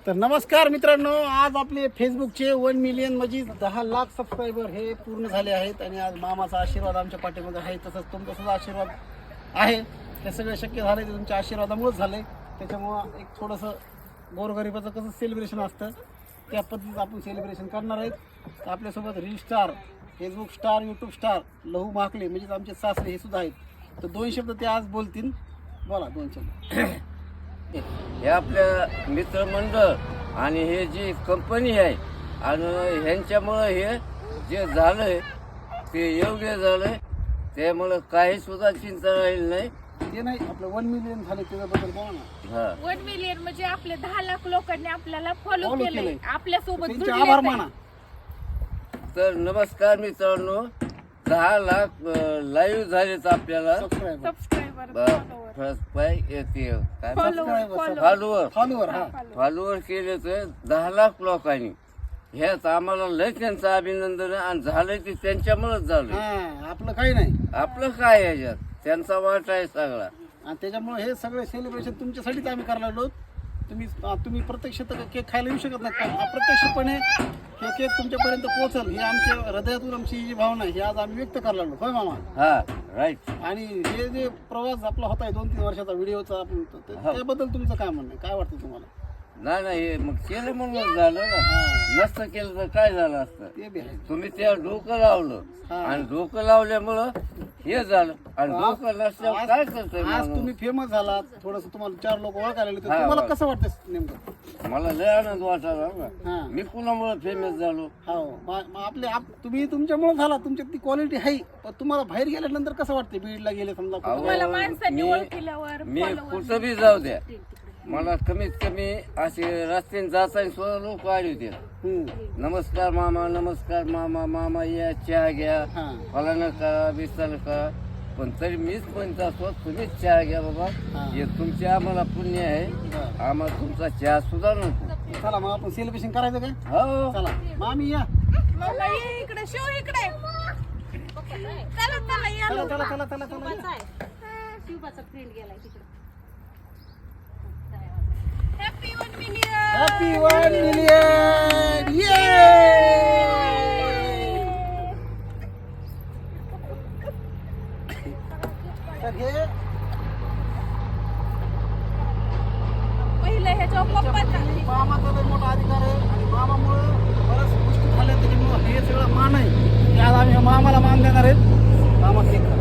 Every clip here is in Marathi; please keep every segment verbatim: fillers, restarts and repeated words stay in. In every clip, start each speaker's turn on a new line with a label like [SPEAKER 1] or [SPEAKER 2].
[SPEAKER 1] तर नमस्कार मित्रांनो, आज आपले फेसबुकचे वन मिलियन म्हणजे दहा लाख सबस्क्रायबर हे पूर्ण झाले आहेत आणि आज मामाचा आशीर्वाद आमच्या पाठीमध्ये आहे. तसंच तुमचा सुद्धा आशीर्वाद आहे. हे सगळे शक्य झाले ते तुमच्या आशीर्वादामुळेच झाले. त्याच्यामुळं एक थोडंसं गोरगरिबाचं कसं सेलिब्रेशन असतं त्या पद्धतीचं आपण सेलिब्रेशन करणार आहेत. तर आपल्यासोबत reel star, Facebook star, YouTube star Lahu Mahakale म्हणजेच आमचे सासरे हे सुद्धा आहेत. तर दोन शब्द ते आज बोलतील. बोला दोन शब्द.
[SPEAKER 2] हे आपल्या मित्रमंडळ आणि हे जी कंपनी आहे आणि ह्यांच्यामुळं हे जे झालंय ते योग्य झालंय. त्यामुळं काही सुद्धा चिंता राहील नाही.
[SPEAKER 1] ते नाही आपलं वन मिलियन झाले त्याच्याबद्दल बोला ना.
[SPEAKER 2] हा,
[SPEAKER 3] वन मिलियन म्हणजे आपले दहा लाख लोकांनी आपल्याला फॉलो
[SPEAKER 1] Follow
[SPEAKER 3] केलंय,
[SPEAKER 1] केलंय.
[SPEAKER 3] आपल्या सोबत
[SPEAKER 1] त्यांचे आभार माना.
[SPEAKER 2] तर नमस्कार मित्रांनो, दहा लाख लाईव्ह झालेत आपल्याला.
[SPEAKER 1] सबस्क्रायबर
[SPEAKER 3] सबस्क्रायबर
[SPEAKER 2] येते काय
[SPEAKER 1] Subscriber.
[SPEAKER 2] फॉलोवर
[SPEAKER 1] फॉलोवर हा
[SPEAKER 2] फॉलोवर केले तर दहा लाख लोकांनी. ह्यात आम्हाला लय त्यांचं अभिनंदन आहे आणि झालंय ते त्यांच्यामुळेच झालं.
[SPEAKER 1] हा आपलं काही नाही
[SPEAKER 2] आपलं काय याच्यात त्यांचा वाट आहे सगळा.
[SPEAKER 1] आणि त्याच्यामुळे हे सगळे सेलिब्रेशन तुमच्यासाठीच आम्ही करायला लागलो. तुम्ही तुम्ही प्रत्यक्ष तर केक खायला येऊ शकत नाही, पण अप्रत्यक्षपणे हे केक तुमच्यापर्यंत पोहोचल ही आमच्या हृदयातून आमची जी भावना आहे ही आज आम्ही व्यक्त करायला लागलो. होय मामा.
[SPEAKER 2] हा राईट.
[SPEAKER 1] आणि हे जे प्रवास आपला होता दोन तीन वर्षाचा व्हिडिओचा आपण तर त्याबद्दल तुमचं काय म्हणणं आहे? काय वाटतं तुम्हाला?
[SPEAKER 2] नाही नाही हे मग केलं म्हणून झालं ना. नसतं केलं तर काय झालं असतं.
[SPEAKER 1] ते बी आहे.
[SPEAKER 2] तुम्ही त्या डोकं लावलं आणि डोकं लावल्यामुळं हे झालं आणि डोकं नसल्यावर काय करतोय
[SPEAKER 1] आज
[SPEAKER 2] माणूस?
[SPEAKER 1] तुम्ही फेमस झालात, थोडस तुम्हाला चार लोक ओळखायला लागले, तर
[SPEAKER 2] हा,
[SPEAKER 1] तुम्हाला
[SPEAKER 2] बरं.
[SPEAKER 1] कसं वाटतं नेमकं?
[SPEAKER 2] मला लय आनंद वाटायला ना.
[SPEAKER 1] हा
[SPEAKER 2] मी कुणामुळे फेमस झालो?
[SPEAKER 1] हो मा- मा- आपले आप तुम्ही तुमच्यामुळे झाला, तुमच्यात ती क्वालिटी आहे. पण तुम्हाला बाहेर गेल्यानंतर कसं वाटते? बीडला गेले समजा कुठं?
[SPEAKER 2] अहो,
[SPEAKER 3] मला माणसांनी
[SPEAKER 2] मी-
[SPEAKER 3] ओळखल्यावर
[SPEAKER 2] मी
[SPEAKER 3] follower
[SPEAKER 2] कुठं बी जाऊ द्या, मला कमीत कमी असे रस्त्याने जाताना सुद्धा लोक आले होते.
[SPEAKER 1] हम्म.
[SPEAKER 2] नमस्कार मामा, नमस्कार मामा, मामा या चहा घ्या,
[SPEAKER 1] हा
[SPEAKER 2] फलानं करा, बिस्तानं करा. पण तरी मीच म्हणत असतो तुम्हीच चहा घ्या बाबा.
[SPEAKER 1] हा.
[SPEAKER 2] हे तुमचे आम्हाला पुण्य आहे.
[SPEAKER 1] बरं.
[SPEAKER 2] आम्हाला तुमचा चहा सुद्धा नको.
[SPEAKER 1] चला मग आपण सेलिब्रेशन करायचं काय?
[SPEAKER 2] हो
[SPEAKER 1] चला मामी या.
[SPEAKER 3] मला ये इकडे, शिव इकडे. चला चला या
[SPEAKER 1] चला
[SPEAKER 3] लवकर.
[SPEAKER 1] चला चला चला चला या.
[SPEAKER 3] Happy one million.
[SPEAKER 1] Happy one million. ये तर हे
[SPEAKER 3] पहिलं ह्याच्या पप्पाचा
[SPEAKER 1] मामाचा लय मोठा अधिकार आहे आणि मामामुळे बऱ्याच गोष्टी झाल्या. त्याच्यामुळे हे सगळं मान आहे की आज आम्ही मामाला मान देणार आहेत. मामा केक खा.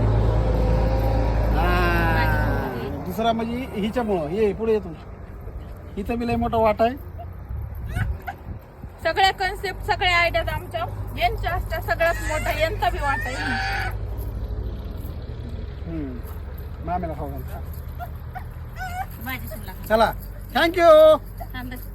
[SPEAKER 1] हा. दुसरा म्हणजे हिच्यामुळं ये पुढे येतो, हिचा बी लय मोठा वाटा आहे.
[SPEAKER 3] सगळ्या कन्सेप्ट सगळ्या आयडियाज आमच्या यांच्या असतात. सगळ्यात मोठा यांचा बी वाटा आहे.
[SPEAKER 1] हम्म. मामेला खाऊ घाल.
[SPEAKER 3] माझी सुला
[SPEAKER 1] चला थँक्यू.
[SPEAKER 3] थांब